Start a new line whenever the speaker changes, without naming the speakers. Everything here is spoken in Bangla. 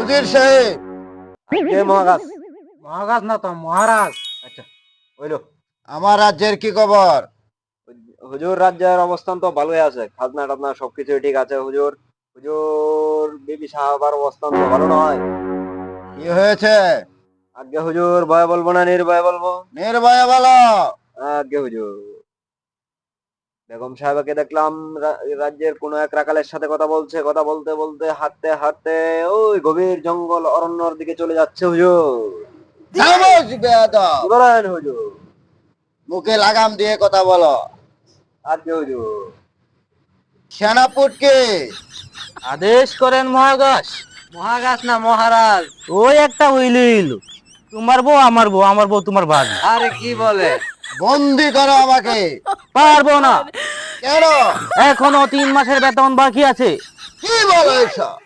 উজির সাহেব।
কে মহারাজ?
মহারাজ না তো মহারাজ।
আচ্ছা, হইলো।
আমার রাজ্যের কি খবর?
হুজুর, রাজ্যের অবস্থান তো ভালোই আছে, খাজনা টাজনা সবকিছুই ঠিক আছে হুজুর। হুজুর, বিবি সাহাবার অবস্থান তো ভালো নয়।
কি হয়েছে?
আজ্ঞে হুজুর, ভয় বলবো না নির্ভয় বলবো?
নির্ভয়ে বলো।
আজ্ঞে হুজুর, বেগম সাহেবকে দেখলাম রাজ্যের কোনো এক রাখালের সাথে কথা বলছে, কথা বলতে বলতে হাঁটতে হাঁটতে ওই গভীর জঙ্গল অরণ্যর দিকে চলে যাচ্ছে হুজুর।
খামোশ বেয়াদব,
কি বলেন হুজুর?
মুখে লাগাম দিয়ে কথা বলো।
আজ্ঞে হুজুর।
সেনাপুটকে
আদেশ করেন মহারাজ। মহারাজ না মহারাজ। ওই একটা হইল তোমার বউ আমার বউ, আমার বউ তোমার ভাগ।
আরে কি বলে?
বন্দি করো আমাকে।
পারবো না,
কেন?
এখনো 3 মাসের বেতন বাকি আছে।
কি বলো এসব?